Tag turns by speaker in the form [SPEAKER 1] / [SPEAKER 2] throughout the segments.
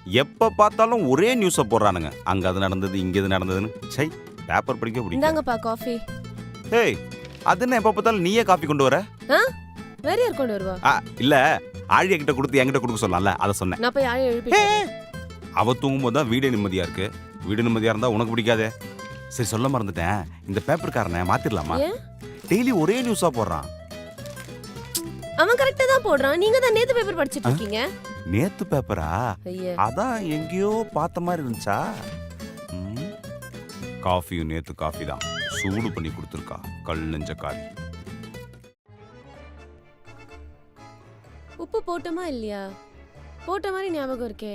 [SPEAKER 1] எப்ப பார்த்தாலும் ஒரே நியூஸை போடுறானுங்க. அங்க அது நடந்தது, இங்க இது நடந்ததுன்னு. சை, பேப்பர் படிக்க பிடிக்கும்.
[SPEAKER 2] இந்தாங்கப்பா காஃபி.
[SPEAKER 1] ஏய், அது என்ன எப்ப பார்த்தாலும் நீயே காஃபி கொண்டு வர?
[SPEAKER 2] வேற யார் கொண்டு வருவா?
[SPEAKER 1] இல்ல, ஆழியா கிட்ட கொடுத்து என்கிட்ட கொடுக்க சொல்லலாம்ல, அதை சொன்னேன்.
[SPEAKER 2] நான் போய் ஆழியா எழுப்பி.
[SPEAKER 1] அவ தூங்கும்போது தான் வீடு நிம்மதியா இருக்கு. வீடு நிம்மதியா இருந்தா உனக்கு பிடிக்காதே. சரி, சொல்ல மறந்துட்டேன். இந்த பேப்பர்காரனை மாத்திரலாமா? டெய்லி ஒரே நியூஸா போடுறான்.
[SPEAKER 2] அவன் கரெக்ட்டா தான் போடுறான். நீங்க தான் நேத்து பேப்பர் படிச்சிட்டு இருக்கீங்க.
[SPEAKER 1] நேத்து பேப்பரா? அதான் எங்கேயோ பார்த்த மாதிரி இருந்துச்சா? காஃபியும் நேத்து காஃபி தான். சூடு பண்ணி கொடுத்துருக்கா கல் நெஞ்ச காரி.
[SPEAKER 2] உப்பு போட்டோமா இல்லையா? போட்ட மாதிரி ஞாபகம் இருக்கே.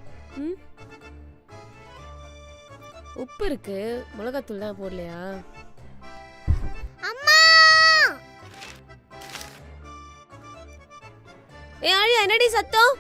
[SPEAKER 2] உப்பு இருக்கு, மிளகாத்தூள் தான் போடலையா?
[SPEAKER 3] அம்மா!
[SPEAKER 2] ஏய் ஆழியா, என்னடி சத்தம்?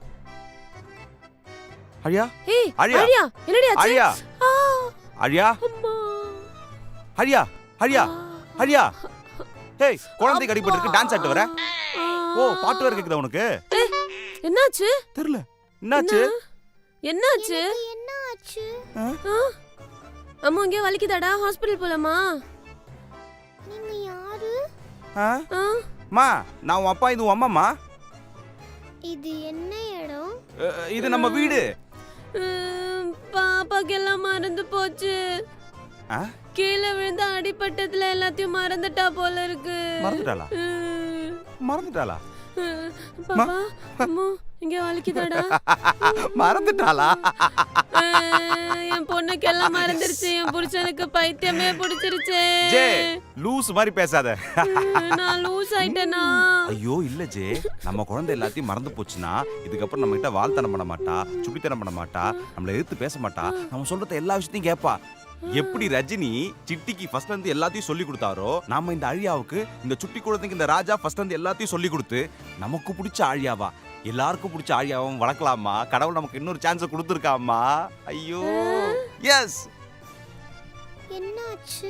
[SPEAKER 1] ஆழியா?
[SPEAKER 2] ஏய்
[SPEAKER 1] ஆழியா,
[SPEAKER 2] ஆழியா, என்னடி ஆச்சு?
[SPEAKER 1] ஆழியா, ஆழியா,
[SPEAKER 2] அம்மா,
[SPEAKER 1] ஆழியா, ஆழியா, ஆழியா. ஏய், குழந்தை கடிபட்டு இருக்கு, டான்ஸ் ஆட்டு வர. ஓ, பாட்டு வர கேக்குதா உனக்கு?
[SPEAKER 2] என்னாச்சு?
[SPEAKER 1] தெரியல. என்னாச்சு?
[SPEAKER 2] என்னாச்சு?
[SPEAKER 3] என்னாச்சு?
[SPEAKER 2] அம்மா இங்க வலிக்குதாடா? ஹாஸ்பிடல் போலாமா?
[SPEAKER 3] நீங்க யாரு?
[SPEAKER 1] மா, நான் உன் அப்பா, இது உன் அம்மாமா.
[SPEAKER 3] இது என்ன இடம்?
[SPEAKER 1] இது நம்ம வீடு.
[SPEAKER 2] பாப்பாக்கு எல்லாம் மறந்து போச்சு. கீழே விழுந்து அடிபட்டதுல எல்லாத்தையும் மறந்துட்டா போல இருக்கு.
[SPEAKER 1] மறந்துட்டாளா? மறந்துட்டாளா?
[SPEAKER 2] பாப்பா, அம்மா இங்க வலிக்குதாடா?
[SPEAKER 1] மறந்துட்டாளா?
[SPEAKER 2] என் பொண்ணுக்கு எல்லாம் மறந்துருச்சு. என் புருஷனுக்கு பைத்தியமே பிடிச்சிருச்சு.
[SPEAKER 1] ஜே, லூஸ் மாதிரி பேசாத.
[SPEAKER 2] நான் லூஸ் ஆயிட்டேனா?
[SPEAKER 1] ஐயோ இல்ல ஜே, நம்ம குழந்தை எல்லாத்தையும் மறந்து போச்சுன்னா இதுக்கப்புறம் நம்ம கிட்ட வாழ்த்தனம் பண்ண மாட்டா, சுட்டித்தனம் பண்ண மாட்டா, நம்மள எதிர்த்து பேச மாட்டா, நம்ம சொல்றத எல்லா விஷயத்தையும் கேட்பா. எப்படி ரஜினி சிட்டிக்கு ஃபர்ஸ்ட் வந்து எல்லாத்தையும் சொல்லி கொடுத்தாரோ, நாம இந்த ஆழியாவுக்கு, இந்த சுட்டி குழந்தைக்கு இந்த ராஜா ஃபர்ஸ்ட் வந்து எல்லாத்தையும் சொல்லி கொடுத்து நமக்கு பிடிச்ச ஆழியாவா, எல்லாருக்கும் பிடிச்ச ஆழியாவும் வளர்க்கலாமா? கடவுள் நமக்கு இன்னொரு சான்ஸ் கொடுத்துருக்காமா. ஐயோ எஸ்.
[SPEAKER 3] என்னாச்சு?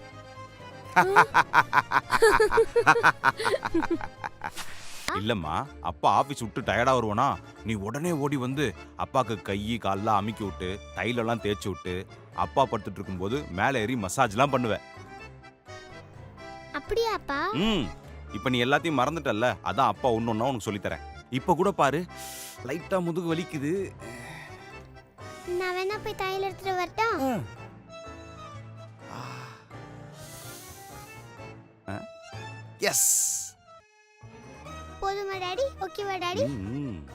[SPEAKER 1] இல்லம்மா, அப்பா ஆபீஸ் விட்டு டயர்டா வருவானா, நீ உடனே ஓடி வந்து அப்பாக்கு கை கால்லாம் அமுக்கி விட்டு தைலெல்லாம் தேய்ச்சி விட்டு அப்பா படுத்துட்டு இருக்கும்போது மேலே ஏறி மசாஜ்லாம் பண்ணுவேன்.
[SPEAKER 3] அப்படியாப்பா?
[SPEAKER 1] இப்போ நீ எல்லாத்தையும் மறந்துட்டல்ல, அதான் அப்பா ஒன்னொன்னா உனக்கு சொல்லித்தரேன். இப்போ கூட பாரு, லைட்டா முதுகு வலிக்குது.
[SPEAKER 3] நான் வேணா போய் தையல் எடுத்துட்டு வரட்டா?
[SPEAKER 1] எஸ்.
[SPEAKER 3] போதுமா டாடி? ஓகேவா டாடி?